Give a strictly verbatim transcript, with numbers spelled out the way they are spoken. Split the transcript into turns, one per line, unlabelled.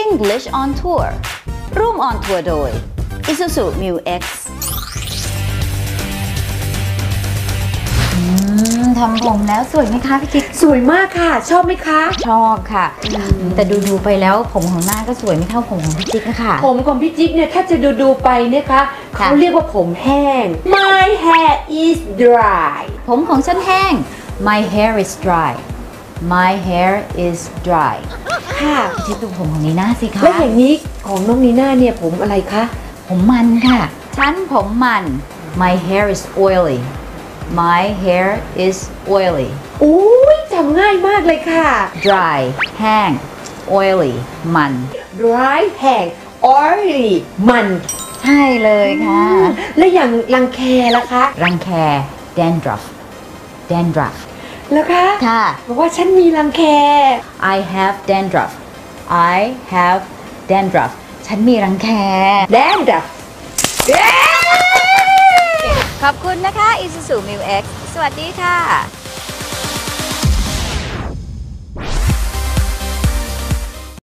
English on Tour ร่วม on tour โดย Isuzu Mu X ทำผมแล้วสวยไหมคะพี่จิ๊ก
สวยมากค่ะชอบไหมคะ
ชอบค่ะแต่ดูดูไปแล้วผมของหน้าก็สวยไม่เท่าผมของพี่จิ๊กค่ะ
ผมของพี่จิ๊กเนี่ยถ้าจะดูดูไปนะคะเขาเรียกว่าผมแห้ง My hair is dry
ผมของฉันแห้ง My hair is dry My hair is dry
ค่ะ
พี่จิ๊กดูผมของนีน่าสิคะ
และอย่างนี้ของน้องนีน่าเนี่ยผมอะไรคะ
ผมมันค่ะฉันผมมัน My hair is oily My hair is oily
อุ้ยจำง่ายมากเลยค่ะ
dry แห้ง oily มัน
dry แห้ง oily มัน
ใช่เลยค่ะ
และอย่างรังแคล่ะคะ
รังแค dandruff dandruff
แล้วคะ
ค่ะ
บอกว่าฉันมีรังแค
I have dandruff I have dandruff ฉันมีรังแค
dandruff
ขอบคุณนะคะ Isuzu Mu X สวัสดีค่ะ